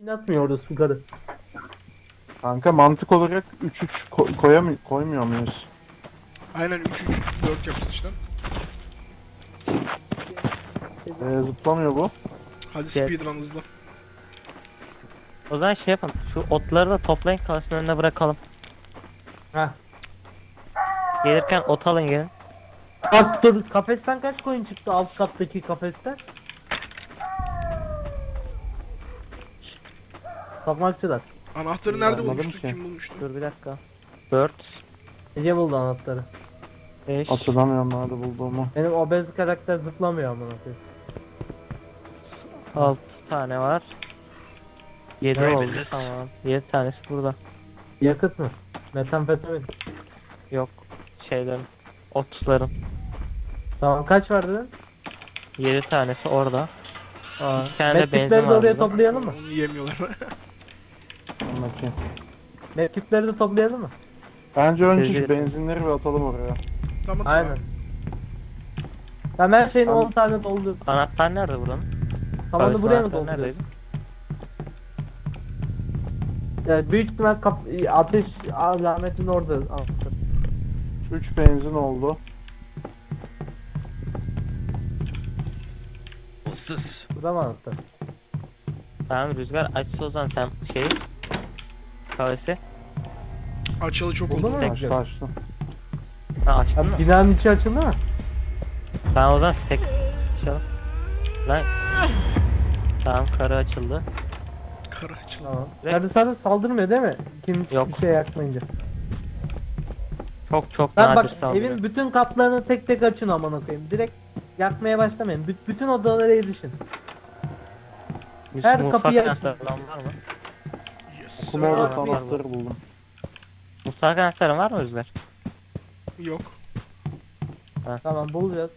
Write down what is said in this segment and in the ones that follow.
Yatmıyor orası yukarı. Kanka mantık olarak 3-3 koymuyor muyuz? Aynen 3-3-4 yapacağız işte. Zıplamıyor bu. Hadi Gel. speedrun hızlı. O zaman şey yapalım. Şu otları da toplayın, kalsın önüne bırakalım. Heh. Gelirken ot alın gelin. Bak dur, kafesten kaç koyun çıktı alt kattaki kafesten? Tokmakçılar. Anahtarı nerede Anladım bulmuştuk? ki. Kim bulmuştu? Dur bir dakika. 4, Ece buldu anahtarı. 5, Hatırlamıyorum nerede bulduğumu. Benim obez karakter zıplamıyor amına koyayım. 6 tane var. 7 Ne oldu. oldu? Tamam. 7 tanesi burada. Yakıt mı? Metamfetamin. Yok. Şeylerin. Otların. Tamam kaç var dedin? 7 tanesi orada. Aa. 2 tane de benzin Medkitleri de var oraya burada. toplayalım mı? Onu yemiyorlar. Bakayım. Medkitleri de toplayalım mı? Bence önce şu Sevgilisi. benzinleri bir atalım oraya. Tamam Aynen. tamam. Ben her şeyin Ben- 10 tane doldu. Anahtar nerede buranın? Tamamını Kahvesinin buraya mı anahtarı dolduruyorsun? neredeydi? Yani büyük ihtimal ateş alametin orada. Al. 3 benzin oldu. Burada mı anahtar? Tamam Rüzgar açsa o zaman sen şeyi. Kahvesi. Açalı çok Oldu oldu. mu? Açtı açtı. Ha açtın Ya, mı? binanın içi açıldı mı? Tamam o zaman stack açalım. Lan. Tamam karı açıldı. Kara açıldı. Tamam. Ve- Karı sana saldırmıyor değil mi? Kim Yok. bir şey yakmayınca. Çok Ben nadir bak saldırıyor. evin bütün katlarını tek tek açın amına koyayım. Direkt yakmaya başlamayın. Bütün odalara erişin. Yusuf, her mutfak kapıyı açın. anahtarı olan var mı? Yes. Okuma sir. odası Tamam. anahtarı buldum. Mutfak anahtarı var mı Rüzgar? Yok. Tamam bulacağız.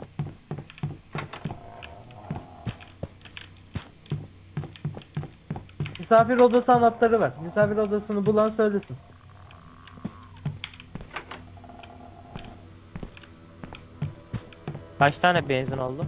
Misafir odası anahtarı var. Misafir odasını bulan söylesin. Kaç tane benzin oldu?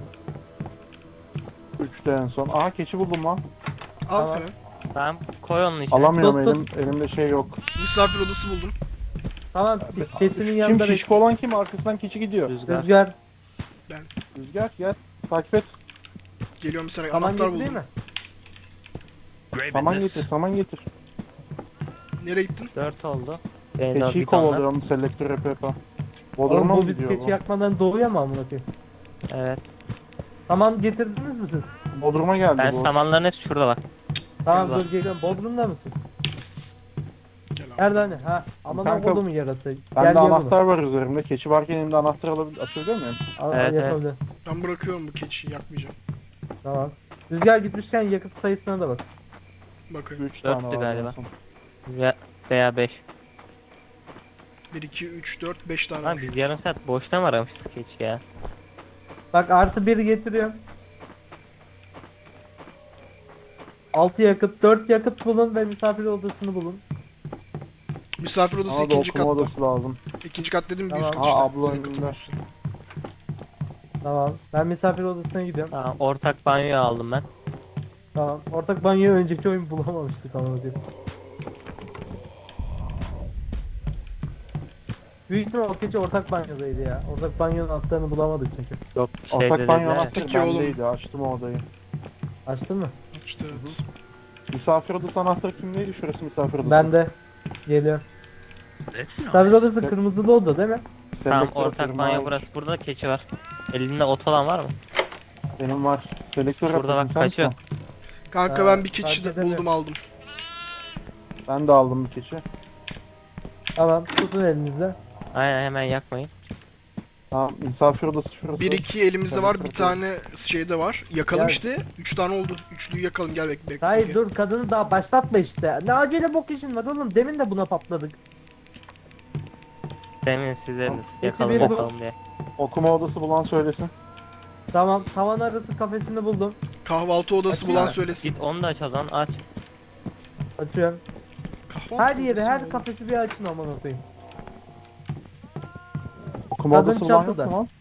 3'te en son. Aha keçi buldum lan. Al Tamam. hemen. Tamam koy onun içine. Alamıyorum Tut, elimde şey yok. Misafir odası buldum. Tamam keçinin Kim yanında şişko olan kim? Arkasından keçi gidiyor. Rüzgar. Rüzgar. Rüzgar gel. Takip et. Geliyorum bir saniye. Tamam Anahtar getireyim buldum. mi? Saman getir, saman getir. Nereye gittin? 4 oldu. Benzin Keçiyi bidonlar. kovalıyorum selektör yapa. Oğlum Bodrum'a bu mı biz gidiyor keçi bu? yakmadan doğuyor mu amına koyayım? Evet. Tamam getirdiniz mi siz? Bodrum'a geldi Ben bu. samanların hepsi şurada bak. Tamam Gel dur geliyorum. Bodrum'da mısın? Gel abi. Nerede hani? Ha aman Kanka, oğlum yarattı. Bende bunu. anahtar var üzerimde. Keçi varken elimde anahtar açabiliyor muyum? Evet, Yapabilir. Ben bırakıyorum bu keçiyi. Yakmayacağım. Tamam. Rüzgar gitmişken yakıt sayısına da bak. Bakayım. 3 tane Dörttü var. galiba. en son. Veya 5. 1, 2, 3, 4, 5 tane Lan var. biz yarım saat boşta mı aramışız keçi ya? Bak artı 1 getiriyorum. 6 yakıt, 4 yakıt bulun ve misafir odasını bulun. Misafir odası Bana da ikinci okuma katta. odası lazım. İkinci kat dedim bir Tamam. üst kat Aa, işte. abla Senin katın önünde. üstü. Tamam. Ben misafir odasına gidiyorum. Tamam ortak banyoyu aldım ben. Tamam. Ortak banyoyu önceki oyun bulamamıştık ama diyor. Büyük ihtimal o gece ortak banyodaydı ya. Ortak banyonun altlarını bulamadık çünkü. Yok şeyde Ortak banyo dediler. anahtarı Peki oğlum. bendeydi. Açtım o odayı. Açtın mı? İşte evet. Misafir odası anahtarı kimdeydi? Şurası misafir odası. Ben de. Geliyor. Misafir odası kırmızılı oda değil mi? Tamam Selektör ortak atıyorum banyo abi. burası. Burada da keçi var. Elinde ot olan var mı? Benim var. Selektör Burada atıyorum. bak Sen kaçıyor. misin? Kanka Ha, ben bir keçi fark de buldum edemiyorum. aldım. Ben de aldım bir keçi. Tamam. Tutun elinizde. Aynen hemen yakmayın. Tamam misafir odası şurası. 1, 2 elimizde Tabii, var. tabii. Bir tane şeyde var. Yakalım Gel. işte. 3 tane oldu. Üçlüyü yakalım. Gel bekle. Hayır dur kadını daha başlatma işte. Ne acele bok işin var oğlum. Demin de buna patladık. Demin siz dediniz Keçi yakalım biri bu. yakalım diye. Okuma odası bulan söylesin. Tamam. Tavan arası kafesini buldum. Kahvaltı odası Açayım bulan mı? söylesin. Git onu da aç o zaman aç. Açıyorum. Kahvaltı Her yeri, odası her mı? kafesi bir açın aman koyayım. Okuma Kadın odası bulan yok çatıda. mu lan?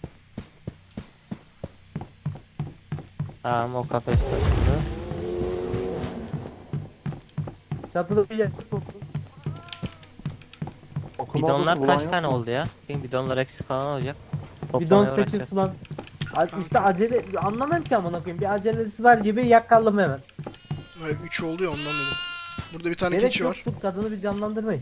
Tamam o kafeste açıldı. Çatıda bir yakıt olsun. Okuma Bidonlar odası bulan kaç yok tane mu? oldu ya? Benim bidonlar eksik falan olacak. Bidon Toplamaya 8 uğraşacağız. falan. İşte acele anlamam ki amına koyayım. Bir acelesi var gibi yakalım hemen. Hayır 3 oldu ya ondan dedim. Burada bir tane Gerek keçi var. yoktur, kadını bir canlandırmayın.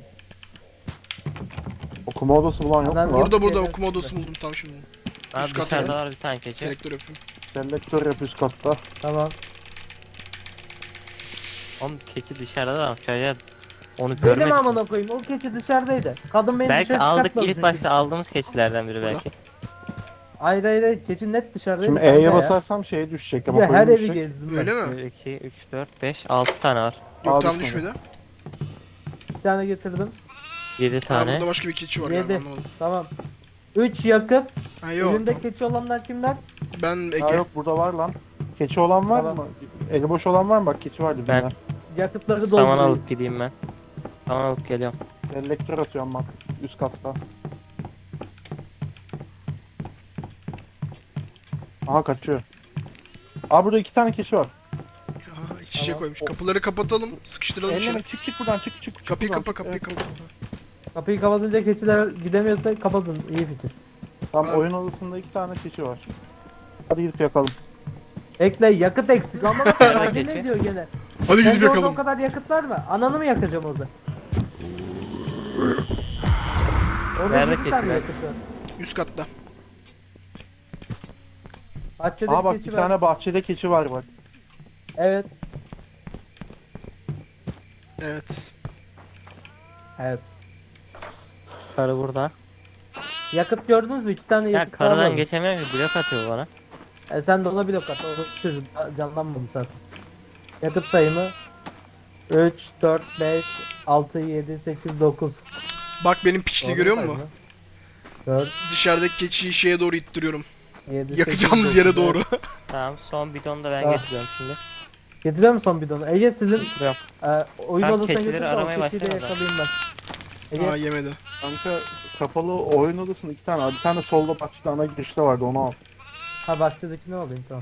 Okuma odası bulan yok Adam mu lan? burada- Burada Evet, okuma evet. odası buldum tam şimdi. Abi Üst kata dışarıda gel. var bir tane keçi. Selektör yapayım. Selektör yap üst katta. Tamam. Oğlum keçi dışarıda var. Çocuğa onu Benim görmedik. amına koyayım. O keçi dışarıdaydı. Kadın beni Belki dışarı aldık çıkartmadı ilk çünkü. başta aldığımız keçilerden biri Burada. belki. Hayır hayır hayır. Keçi net dışarıdaydı. Şimdi kanka E'ye ya. basarsam şeye düşecek. Bir Ama de her koyun evi düşecek. gezdim ben. Öyle mi? 1, 2, 3, 4, 5, 6 tane var. Yok Aa, tam düşmedi. düşmedi. Bir tane getirdim. 7 Ha tane. burada başka bir keçi var galiba 7. anlamadım. Tamam. 3 yakıt. Ha yok. Elinde Tamam. keçi olanlar kimler? Ben Ha Ege. yok burada var lan. Keçi olan var Tamam. mı? Eli boş olan var mı? Bak keçi vardı Ben- birine. Yakıtları Saman doldurayım. alıp gideyim ben. Saman alıp geliyorum. Selektör atıyorum bak. Üst katta. Aha kaçıyor. Aa burada 2 tane keçi var. Ha, iç içe Tamam. koymuş. Kapıları kapatalım. Sıkıştıralım Elleme içeri. çık buradan çık. Kapıyı buradan, kapa çık. kapıyı Evet, kapa. Kapıyı kapatınca keçiler gidemiyorsa kapatın. İyi fikir. Tamam Abi. oyun odasında 2 tane keçi var. Hadi gidip yakalım. Ekle yakıt eksik ama bak Nerede acele keçi? ediyor gene. Hadi gidip Sence orada o yakalım. kadar yakıt var mı? Ananı mı yakacağım orada? Orada Nerede 7 tane keçiler? yakıt var. Üst katta. Bahçede Aa bak keçi bir var. tane bahçede keçi var bak. Evet. Evet. Evet. Karı burada. Yakıt gördünüz mü? 2 tane Ya yakıt daha karıdan var. geçemiyorum ki blok atıyor bana. Sen de ona blok at. O çocuk canlanmadı zaten. Yakıt sayımı 3, 4, 5, 6, 7, 8, 9. Bak benim piçliği görüyor musun? 4, Dışarıdaki keçiyi şeye doğru ittiriyorum. 7, Yakacağımız yere doğru. Tamam son bidonu da ben Ah. getiriyorum şimdi. Getiriyor musun son bidonu? Ege sizin Getiriyorum. oyun Tamam, odasına keçileri götür de o aramaya keçiyi de başlayalım o yakalayayım ben. Ege Aa yemedi. Kanka kapalı oyun odasında 2 tane var. Bir tane solda bahçede ana girişte vardı onu al. ha bahçedekini alayım tamam.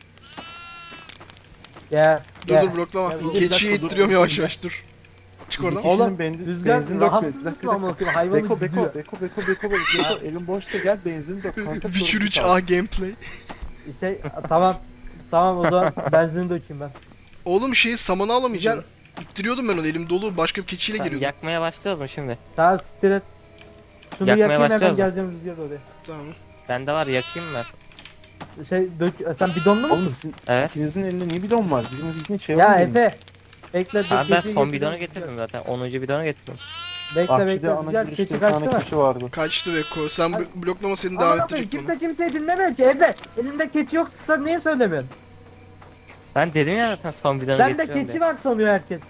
Gel. Dur gel. dur bloklama. Ya, bir Keçiyi dakika, dur, ittiriyorum dur, yavaş dur. yavaş dur. Çık oradan. Kişinin Oğlum, benzin Rüzgar rahatsız mısın amına koyayım? Hayvanı Beko gidiyor. elin boşsa gel benzin dök kanka. Witcher 3A gameplay. Tamam. Tamam o zaman benzini dökeyim ben. Oğlum şeyi samanı alamayacaksın. İttiriyordum ben onu elim dolu başka bir keçiyle Tamam, geliyordum. yakmaya başlıyoruz mu şimdi? Tamam siktir et. Şunu Yakmaya yakayım hemen başlıyoruz mu? geleceğim Rüzgar oraya. Tamam. Bende var yakayım mı? Sen bidonlu musun? Oğlum sizin Evet. ikinizin elinde niye bidon var? Birimizin şey Ya var mı? Efe. Bekle Abi ben keçiyi son getiriyorum. bidonu getirdim zaten. 10. bidonu getirdim. Bekle Bahçede bekle ana Rüzgar girişte keçi bir kaçtı tane mı? keçi vardı. Kaçtı Beko. Sen Hadi. bloklama seni Aman davet Allah'ım, edecekti onu. kimse kimseyi dinlemiyor ki Efe. Elinde keçi yoksa niye söylemiyorsun? Ben dedim ya zaten son bidonu Bende getiriyorum keçi diye. var sanıyor herkes.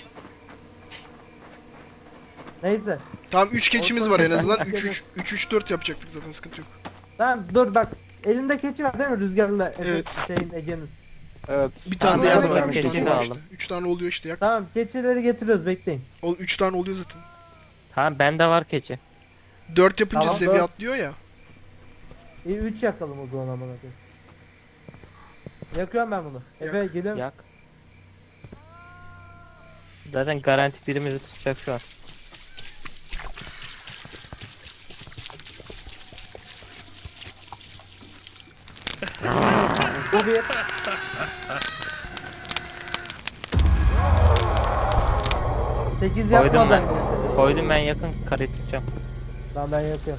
Neyse. Tamam 3 keçimiz Olsun, var en ben- azından. ben- 3-3-4 yapacaktık zaten sıkıntı yok. Tamam dur bak. Elinde keçi var değil mi Rüzgar'la Efe Evet. şeyin Ege'nin. Evet. Bir tane Tamam, de ben yerde de var. 3 keçi tane de var aldım. işte. 3 tane oluyor işte yak. Tamam keçileri getiriyoruz bekleyin. 3 tane oluyor zaten. Tamam bende var keçi. 4 yapınca Tamam, seviye 4. atlıyor ya. 3 yakalım o zaman amına koyayım. Yakıyorum ben bunu. Efe Yak. geliyorum. Yak. Zaten garanti birimizi tutacak şu an. Bu bir. Sekiz Koydum yapma ben. ben. Koydum ben yakın karıyı tutacağım. Tamam ben yapıyorum.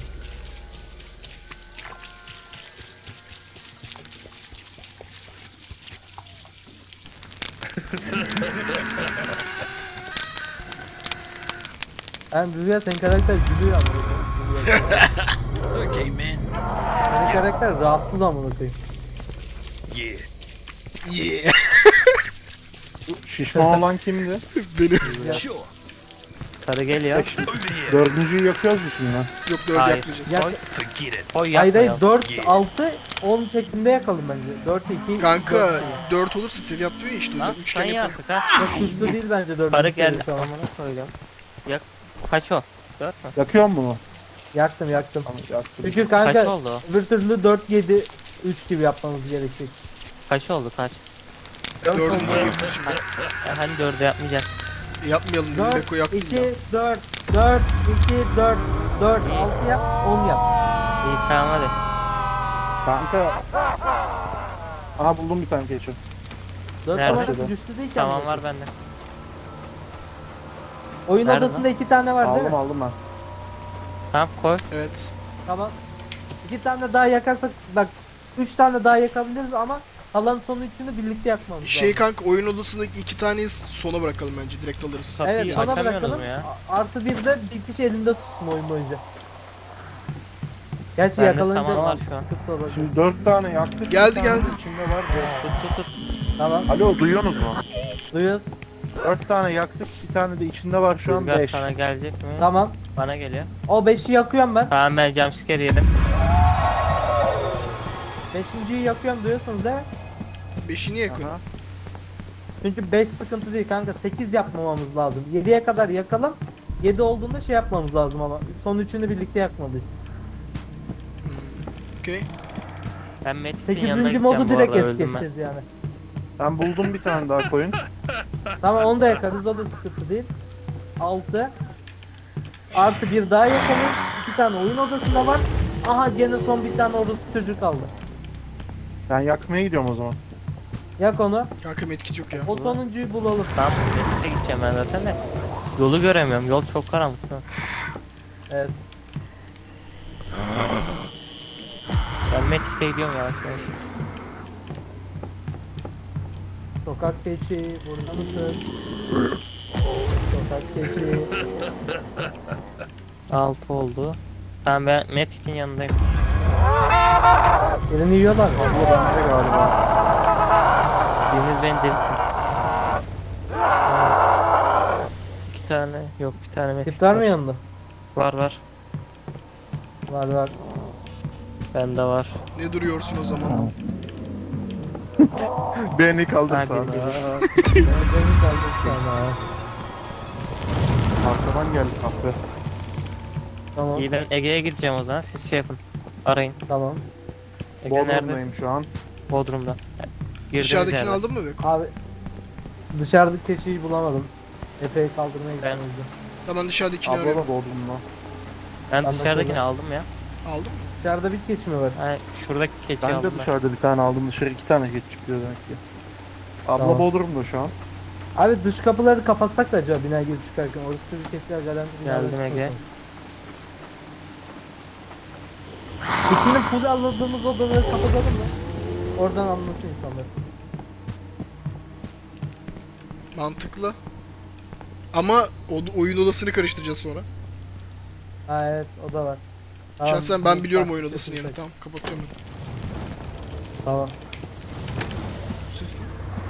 Ben Rüzgar senin karakter gülüyor ama. Okay, man. Senin karakter rahatsız amına koyayım. Yeah. Yeah. Şişman olan kimdi? Beni. Sure. Karı geliyor. Over here. Dördüncüyü yakıyoruz mu şimdi? Yok 4 Hayır. yapmayacağız. Ya- Koy, Forget it. koy Hayır hayır yapmayalım. 4, Yeah. 6, 10 şeklinde yakalım bence. 4, 2, Kanka 4 olursa seviye atlıyor ya işte. Lan 3 sen kere yapalım. artık ha. Çok güçlü değil bence 4. Karı geldi. Amına koyacağım. Yak. Kaç o? 4 mü? Yakıyor mu bunu? Yaktım yaktım. Tamam yaktım. Çünkü Kaç kanka oldu o? öbür türlü 4, 7, 3 gibi yapmamız gerekecek. Kaç oldu kaç? 4'üncü yapıyor şimdi. Hani 4'e yapmayacak. Yapmayalım dedim. 4, Beko yaptın 2, ya. 4, 4, 2, 4, 4, 6 yap, 10 yap. İyi tamam hadi. Kanka. Aha buldum bir tane keçi. 4 Nerede? numarası düştü değil ki. Tamam amına var koyayım. bende. Oyun Nerede odasında 2 tane var değil Aldım mi? aldım ben. Tamam koy. Evet. Tamam. 2 tane daha yakarsak bak 3 tane daha yakabiliriz ama kalan son üçünü birlikte yakmamız Şey lazım. kanka oyun odasındaki 2 taneyi sona bırakalım bence. Direkt alırız. Kapıyı Evet, sona açamıyorsunuz bırakalım. mu ya? Artı bir de bir kişi elinde tutsun oyun boyunca. Gerçi Bende yakalanınca saman var şu an. sıkıntı olabilir. Şimdi 4 tane yaktık. Geldi, bir tane geldi. İçinde var 5. Tut tut tut. Tamam. Alo duyuyorsunuz mu? Duyuyoruz. 4 tane yaktık. Bir tane de içinde var şu an Rüzgar 5. sana gelecek mi? Tamam. Bana geliyor. O 5'i yakıyorum ben. Tamam ben jumpscare yedim. 5.'yi yakıyorum duyuyorsunuz değil mi? 5'i niye yakıyorsun? Çünkü 5 sıkıntı değil kanka. 8 yapmamamız lazım. 7'ye kadar yakalım. 7 olduğunda şey yapmamız lazım ama. Son üçünü birlikte yakmalıyız. Okey. Ben Metik'in yanına 8. gideceğim modu bu direkt arada es öldüm ben. geçeceğiz yani. Ben buldum bir tane daha koyun. Tamam onu da yakarız. O da sıkıntı değil. 6 artı bir daha yakalım. 2 tane oyun odasında var. Aha gene son bir tane orası çocuk kaldı. Ben yakmaya gidiyorum o zaman. Yak onu. Kanka medkit yok ya. O sonuncuyu bulalım. Tamam Metik'e gideceğim ben zaten de. Yolu göremiyorum. Yol çok karanlık. Evet. Ben Metik'te gidiyorum yavaş yavaş. Sokak keçi burada mısın? Sokak keçi. 6 oldu. Tamam ben Metik'in yanındayım. Birini yiyorlar mı? Bu bende galiba. Biriniz beni delisin. 2 tane yok bir tane Metik Tip var mı yanında? Var var. Var var. Bende var. Ne duruyorsun o zaman? Beni kaldır Ha, sana. bildim. Beni kaldık sana. Arkadan geldi kahve. Tamam. İyi ben Ege'ye gideceğim o zaman. Siz şey yapın. Arayın. Tamam. Ege Bodrum'dayım neredesin? şu an. Bodrum'da. Girdiğiniz Dışarıdakini yerde. aldın mı Beko? Abi dışarıdaki keçiyi bulamadım. Epey kaldırmaya gittim. Tamam dışarıdakini Abla arıyorum. da Bodrum'da. Ben Ben de dışarıdakini şöyle- aldım ya. Aldın mı? Dışarıda bir keçi mi var? Yani şuradaki keçiyi Ben de aldım ben. dışarıda bir tane aldım. Dışarı 2 tane geç çıkıyor demek ki. Abla Tamam. Bodrum'da şu an. Abi dış kapıları kapatsak da acaba bina girip çıkarken orası bir keçiler garanti binada Geldim Ege. çıkmasın. İçini full almadığımız odaları kapatalım mı? Oradan anlasın insanlar. Mantıklı. Ama oyun odasını karıştıracağız sonra. Ha evet o da var. Tamam, Şahsen ben bunu biliyorum tak- oyun odasını yani. tak- Tamam kapatıyorum ben. Tamam. Bu ses ne?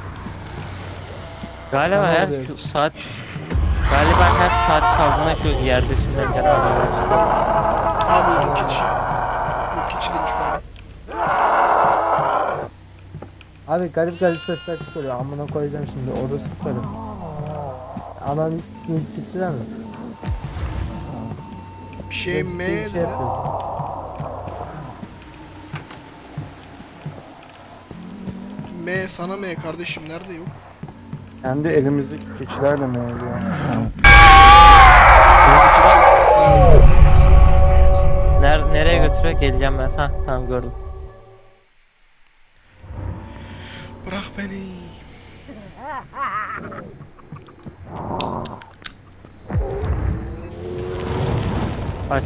Galiba Ne her oluyor? şu saat Galiba her saat çaldığında şu yerde sürülen canavarlar çıkıyor. Aa buldum keçi. Yok keçi değilmiş bana. Abi garip garip sesler çıkarıyor. Amına koyacağım şimdi. Orası tutarım. Anan ilk siktiler mi? Bir şey Değişik mi? bir şey yapıyor. M sana M kardeşim nerede yok? Kendi elimizdeki keçilerle mi oluyor? Nereye götürüyor? Geleceğim ben. Ha tamam gördüm. Bırak beni. Aç.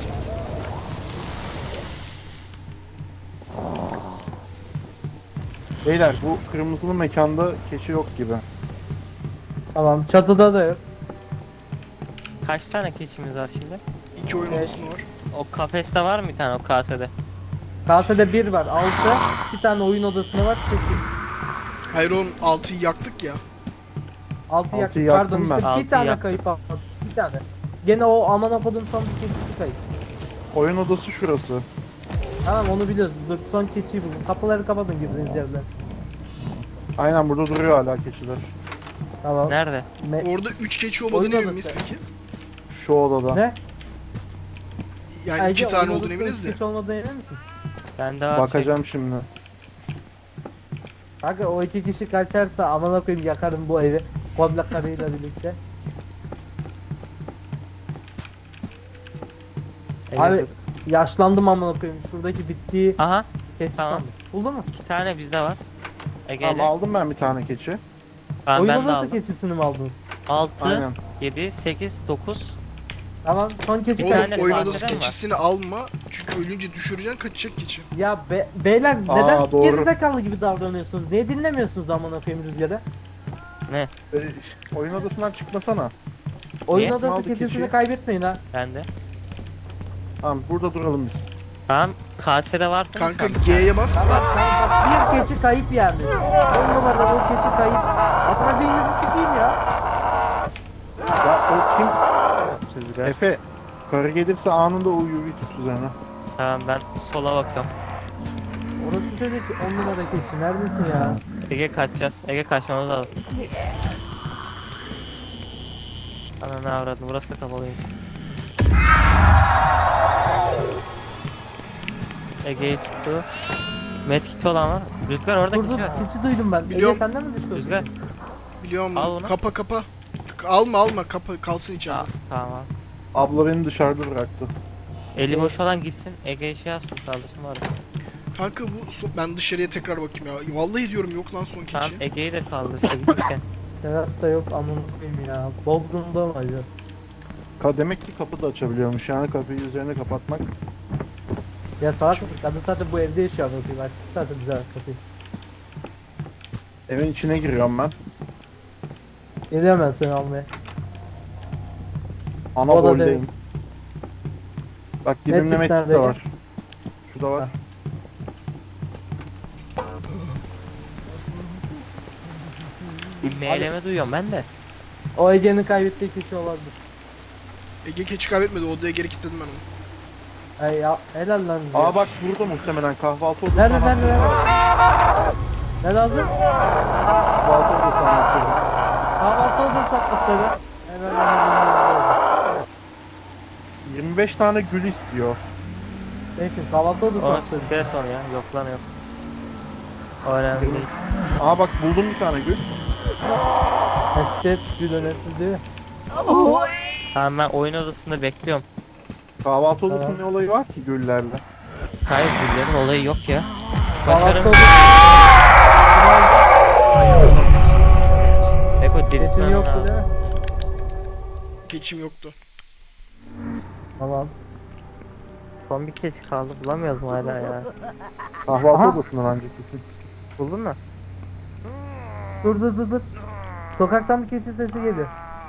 Beyler bu kırmızılı mekanda keçi yok gibi. Tamam çatıda da yok. Kaç tane keçimiz var şimdi? 2 oyun Evet. odası var. O kafeste var mı bir tane o kasede? Kasede 1 var. 6. Bir tane oyun odasında var. 8. Hayır oğlum 6'yı yaktık ya. 6 Altıyı yaktım. yaktım Pardon ben. işte bir Altıyı tane yaktım. kayıp aldım. Bir tane. Gene o aman okudum son bir keçi kayıp. Oyun odası şurası. Tamam onu biliyoruz. Dur son keçiyi buldum. Kapıları kapatın girdiğiniz yerden. Aynen burada duruyor hala keçiler. Tamam. Nerede? Orada 3 keçi Oyun olmadığını emin odası. miyiz peki? Şu odada. Ne? Yani 2 Ege, tane oyun olduğunu odasında eminiz de. Keçi olmadığına emin misin? Bende var Bakacağım şimdi. Kanka o 2 kişi kaçarsa aman okuyayım yakarım bu evi. Komple karıyla birlikte. Ege Abi dur. yaşlandım amına koyayım. Şuradaki bittiği Aha keçi Tamam. sandım. Buldun mu? 2 tane bizde var. Ege Tamam ile. aldım ben bir tane keçi. Tamam, Oyun ben de odası aldım. keçisini mi aldınız? 6, Aynen. 7, 8, 9. Tamam son keçi Oğlum kaç? tane oyun bahseden odası var. keçisini alma. Çünkü ölünce düşüreceksin, kaçacak keçi. Ya beyler Aa, neden doğru. gerizekalı gibi davranıyorsunuz? Niye dinlemiyorsunuz amına koyayım Rüzgar'ı? Ne? Oyun odasından çıkmasana. Oyun Niye? odası Aldı keçisini keçiyi. kaybetmeyin ha. Bende. Tamam burada duralım biz. Tamam. Kasede var mı? Kanka G'ye bas. Tamam tamam bak bir keçi kayıp yani. 10 numara o keçi kayıp. Atmadığınızı sikeyim ya. Ya o kim? Rüzgar. Efe. Karı gelirse anında o UV tut üzerine. Tamam, ben sola bakıyorum. Orası çocuk 10 numara keçi neredesin ya? Ege kaçacağız. Ege kaçmamız lazım. Ana ne avradın, burası da kapalıyım. Ege'yi tuttu. Medkit olan var. Rüzgar orada Dur dur keçi var. keçi duydum ben. Biliyorum. Ege senden mi düştü o Rüzgar. keçi? Biliyorum. Al bunu. Kapa kapa. Alma kapa, kalsın içeride. Tamam. Abla beni dışarıda bıraktı. Eli boş olan gitsin. Ege şey yapsın, kaldırsın var. Kanka ben dışarıya tekrar bakayım ya. Vallahi diyorum yok lan son keçi. Tamam, Ege'yi de kaldırsa gitmişken. Terasta yok amına koyayım ya. Bodrum'da mı acaba? Demek ki kapı da açabiliyormuş yani kapıyı üzerine kapatmak. Ya salak mısın? Kadın zaten bu evde yaşıyor amına koyayım. Açsın zaten bize kapıyı. Evin içine giriyorum ben. Geliyorum ben seni almaya. Ana Odadayız. boldeyim. Bak dibimde Medkit medkit nerede de Ege? var. Şu da var. Ha. Bir meyleme duyuyorum ben de. O Ege'nin kaybettiği keçi olabilir. Ege keçi kaybetmedi, odaya geri kilitledim ben onu. Ay ya helal lan. bize. Aa bak burada muhtemelen kahvaltı odası Nerede anahtarı nerede? var. Ne lazım? Kahvaltı odası anahtarı. Kahvaltı odası atmışları. Hemen 25 tane gül istiyor. ne için kahvaltı odası O atmışları. skeleton ya. Yok lan yok. O önemli değil. Aa bak buldum bir tane gül. Esket bir önemsiz değil mi? Tamam, ben oyun odasında bekliyorum. Kahvaltı odasının ne olayı var ki güllerle? Hayır, güllerin olayı yok ya. Kahvaltı Başarım. odası Beko keçin diriltmem yoktu değil lazım. mi? Keçim yoktu. Tamam. Son bir keçi kaldı, bulamıyoruz mu hala ya? Kahvaltı Aha. odasından önceki. Buldun mu? Dur. Sokaktan bir keçi sesi geliyor.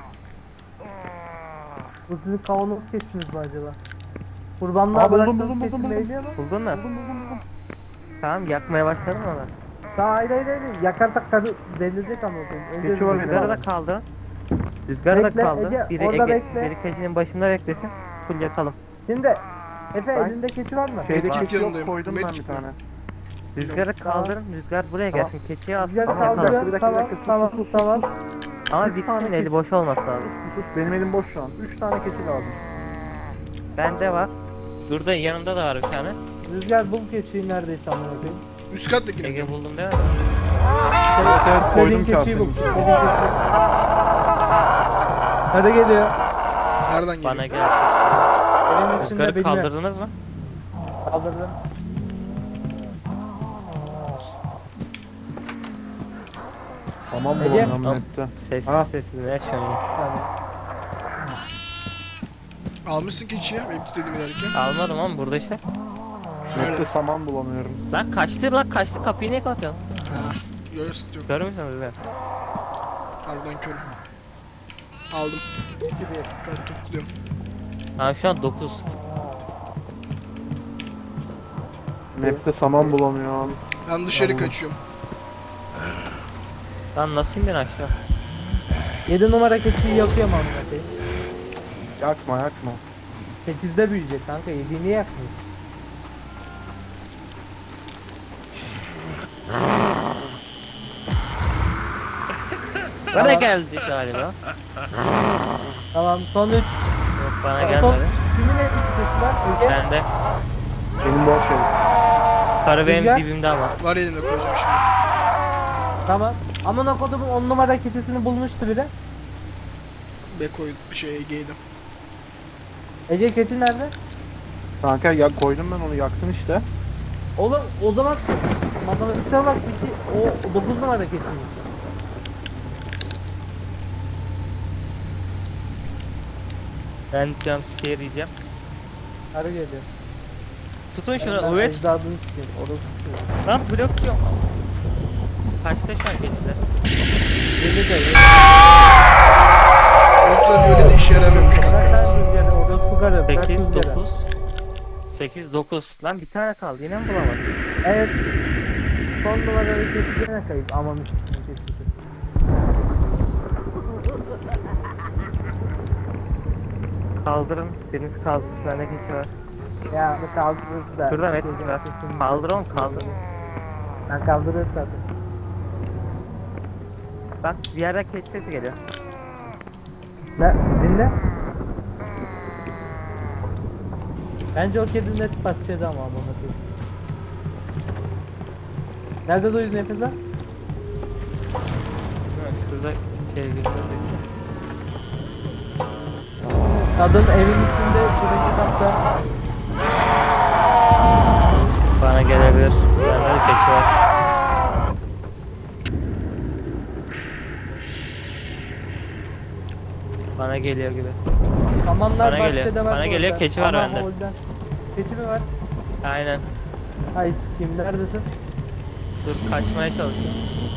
Bu sizin kavanoz keçiniz mi acaba? Kurbanlığa Aa, buldum, bıraktığınız buldum, keçi buldum. neydi ama? Buldun mu? Tamam, yakmaya başladın mı ona? Daha hayır. Yakarsak karı delirecek ama. Önce Keçi var, rüzgarı Rüzgarı da kaldı. Rüzgarı da Bekle, kaldı. Ege, Biri orada Ege, bekle. biri keçinin başında beklesin. Full yakalım. Şimdi Efe Ben- elinde keçi var mı? Şeyde Medkit keçi yok yanındayım. koydum ben bir Medkit mi? tane. Rüzgarı kaldırın. Rüzgar buraya Tamam. gelsin. Keçiyi alsın. Rüzgarı yakalım. kaldırın. Bir dakika, Tamam. Ama Bir tane bitsin, eli keçi. boş olması lazım. Sus benim elim boş şu an. 3 tane keçi lazım. Bende var. Burada yanında da var bir tane. Rüzgar bul keçiyi neredeyse amına koyayım. Üst kattakine. Ege buldum değil mi? Evet koydum Dediğin keçiyi bul. kasenin içine. Dediğin keçiyi. Hadi geliyor. Nereden geliyor? Bana gel. Evin içinde Rüzgarı bilmiyorum. kaldırdınız mı? Kaldırdım. Saman Ege. bulamıyorum Tamam. nette. Sessiz Ha. sessiz ne şöyle. Yani. Almışsın keçiyi. Benim dediğim ilerken. Almadım ama burada işte. Nette saman bulamıyorum. Lan kaçtı, kapıyı niye kapatıyorsun? Yok sıkıntı yok. Görür müsün Rüzgar? Harbiden körüm. Aldım. Kaç topluyorum. Ha şu an 9. Map'te saman bulamıyorum. Ben dışarı Tamam. kaçıyorum. Lan nasıl indin aşağı? 7 numara keçiyi yakıyorum amına koyayım. Yakma. 8'de büyüyecek kanka. 7'yi niye yakmıyorsun? Bana geldi galiba. Tamam son 3. Yok, bana Son gelmedi. kimin elinde keçi var? Ege. Bende. Benim boş ev. Karı benim Rüzgar. dibimde ama. Var elinde koyacağım şimdi. Tamam. Amına kodumun 10 numara keçisini bulmuştu biri. Beko'yu Ege'ydim. Ege keçi nerede? Kanka ya koydum ben onu yaktın işte. Oğlum o zaman matematiksel olarak o 9 numara keçimiz. Ben jumpscare yiyeceğim. Karı geliyor. Tutun şunu Ben evet. ecdadını sikeyim. Orası sikeyim. Lan blok yok. Kaçta şu an keçiler? Yedi de yedi. Ultraviyole de işe yaramıyormuş kanka. Bırak lan rüzgarı. Orası bu karı. Bırak 8, rüzgarı. 9. 8, 9. Lan bir tane kaldı yine mi bulamadım? Evet. Son numarayı keçi gene kayıp. Aman üstüne keçi. Kaldırın. Biriniz kaldırsın. Bende keçi var. Ya bu kaldırırız da. Şurada met var. Kaldır oğlum kaldır. Ben kaldırırız zaten. Bak bir yerden keçi sesi geliyor. Ne? Dinle. Bence o kedi net başladı ama aman koyayım. Nerede duydun nefes al? Şurada şey geliyor. Kadın evin içinde birinci katta. Bana gelebilir. Bende de keçi var. Bana geliyor gibi. Samanlar Bana bahçede geliyor. var. Bana bu geliyor, arada. keçi var Ama bende. holden. Keçi mi var? Aynen. Ay sikeyim neredesin? Dur kaçmaya çalışıyorum.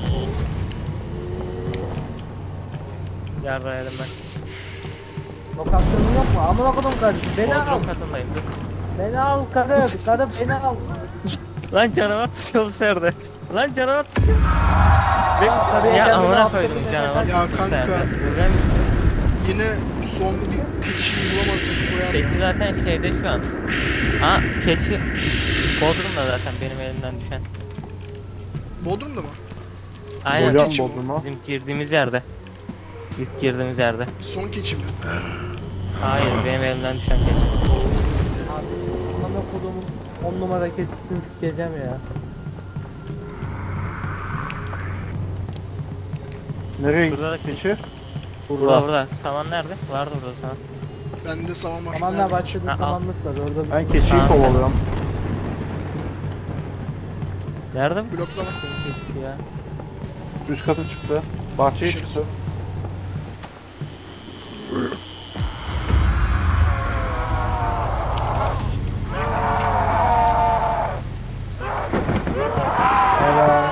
Yarrayalım ben. Lokasyonun yok mu? Amına kodum kardeşim. Beni al. Bodrum katındayım dur. Beni al karı. Karı beni al. Lan canavar tutuyor bu serde. Lan canavar tutuyor. Karıya Ya kendini amına affedin koydum ya. canavar Ya tuttu kanka. serde. Ben Yine son bir keçiyi bulamazsak koyar keçi ya. zaten şeyde şu an. Aa keçi Bodrum'da zaten benim elimden düşen. Bodrum'da mı? Aynen. Hocam keçi mi? Bodrum'a. Bizim girdiğimiz yerde. İlk girdiğimiz yerde. Son keçi mi? Hayır benim elimden düşen keçi. Abi amına kodumun 10 numara keçisini sikeceğim ya. Nereye Burada da gitti keçi? Burada burada. Saman nerede? Vardı burada saman. Bende saman var. Samanla Nerede? başladı Ha, al. samanlık var orada. Ben keçiyi Tamam, sen- kovalıyorum. Nerede bu? Bloklama. Senin keçisi ya. Üst kata çıktı. Bahçeye Dışarı çıktı. Evet.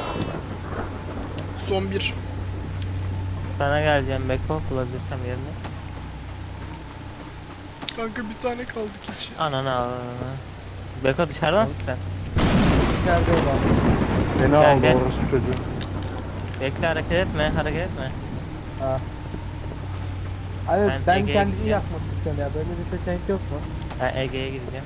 Son bir. Sana geleceğim Beko bulabilirsem yerine. Kanka bir tane kaldı keçi. Ananı al. Beko dışarıdan mısın sen? İçeride olan. Beni Gel, aldı gel. orası çocuğu. Bekle hareket etme hareket etme. Ha. Evet Ben ben Ege'ye kendimi gideceğim. yakmak istiyorum ya böyle bir seçenek yok mu? Ben Ege'ye gideceğim.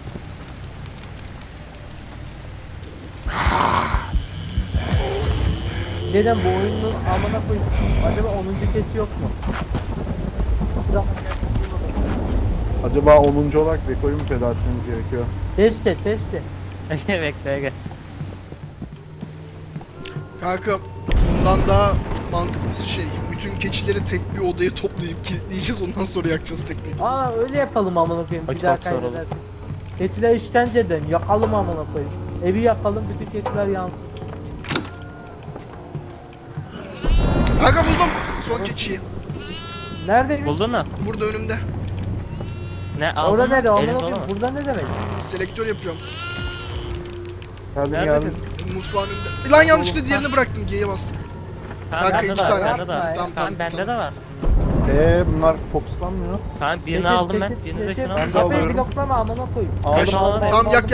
Neden bu oyunun amına koyayım? Acaba 10. keçi yok mu? Acaba 10. olarak Beko'yu mu feda etmemiz gerekiyor? Keşke. Ege bekle Ege. Kanka bundan daha mantıklısı şey. Bütün keçileri tek bir odaya toplayıp kilitleyeceğiz ondan sonra yakacağız tek tek. Aa öyle yapalım amına koyayım. O Bir daha çok zor olur. kaybedersin. Keçiler işkence eden yakalım amına koyayım. Evi yakalım bütün keçiler yansın. Kanka buldum son keçiyi. Neredeymiş? Buldun mu? Burada önümde. Ne aldın Orada mı? nerede? Amına Elin dolu koyayım. mu? Burada ne demek? Selektör yapıyorum. Geldim Neredesin? geldim. Mutfağın önünde. Lan yanlışlıkla diğerini bıraktım. G'ye bastım. Tamam Kanka, bende iki de var, tane. bende de var. Tamam, Tamam bende de var. Bunlar fokuslanmıyor. Tamam birini Çekil, aldım ben, çekil, birini de çekil. şunu Ben aldım. de Kafayı alıyorum. bloklama amına koyayım. Aldım aldım. Tamam yak.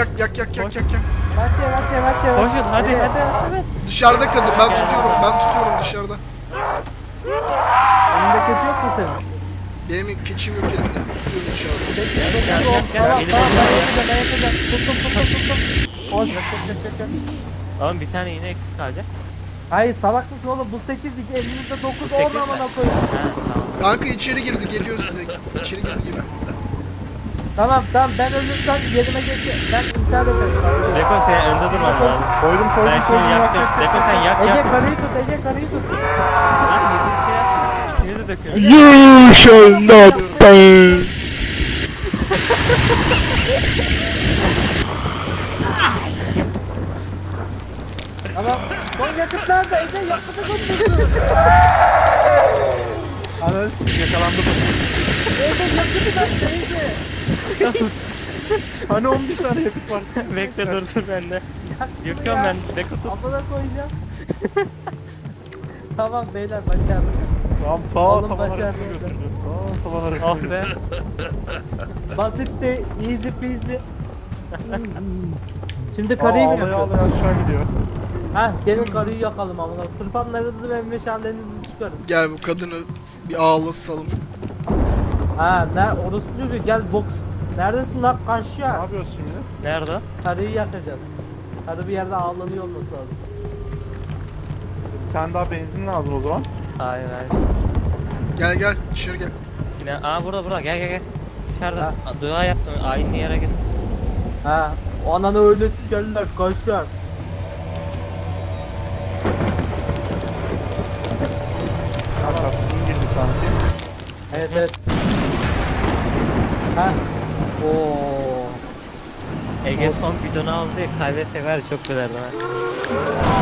Maçya. Koşun hadi hadi. Dışarıda kadın. Ben Gel. tutuyorum dışarıda. Önünde keçi yok mu senin? Benim keçim yok elimde. Tutuyorum dışarıda. Gel, Tamam elimi tamam bırak ben ya. yapacağım. Tuttum. Hoş. Oğlum bir tane yine eksik kalacak. Hayır salak mısın oğlum bu 8 elimizde 9 Bu 8 10 mi? amına koyayım. Ha tamam. Kanka içeri girdi. Geliyor size. İçeri girdi. Tamam ben ölürsem yerime geçeceğim. Ben intihar ederim. Beko senin önünde durman lazım. Koydum Ben şunu yakacağım. Beko sen yak Ege yak. karıyı tut. Lan birisi yapsın. İkiniz de dökün. You shall not pass. Yakıt nerede? Ece yakıtı götürdü. Ananı sikeyim, yakalandım. Ece yakıtı nerede Ece? Nasıl? Hani 11 tane yakıt var. Bekle dur bende. Yakıyorum ben. Beko tut. Amına koyacağım. Tamam beyler başardık. Tamam Oğlum tavan başardı. arasını götürdü. Tavan arasını Oh götürdü. be. Basitti, easy peasy. Şimdi karıyı mı Ağlaya yakıyoruz? ağlaya aşağı gidiyor. Ha gelin karıyı yakalım amına. Tırpanlarınızı ve meşallerinizi çıkarın. Gel bu kadını bir ağlatalım. Ha orası çocuğu gel boks. Neredesin lan Ne kaşya? yapıyoruz şimdi? Nerede? Karıyı yakacağız. Karı bir yerde ağlanıyor olması lazım. Bir tane daha benzin lazım o zaman. Hayır hayır. Gel gel dışarı gel. Sinan. Aa burada gel. Dışarıda. Ha. Dua yaptım. Aynı yere git. Ha o ananı öyle sikerler kaşya. Kapsın girdi sanki. Evet. Ha. Oo. Ege son bidonu aldı ya. Kahve sever çok gülerdi ha.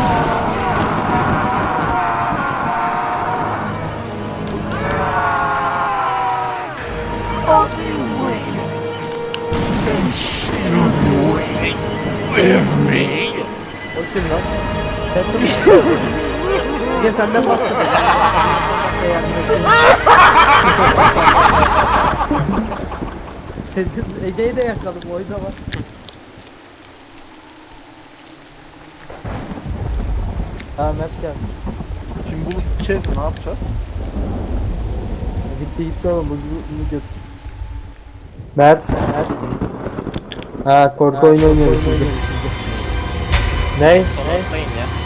O kim lan? Sen de mi? Gel senden bahsedelim. Ege'yi de yakalım oyda var. Ha Mert geldi. Şimdi bulup gideceğiz mi? Ne yapacağız? Gitti oğlum bunu götür. Mert. Ha korku oyunu oynuyoruz şimdi. Ne? Son atlayın ya.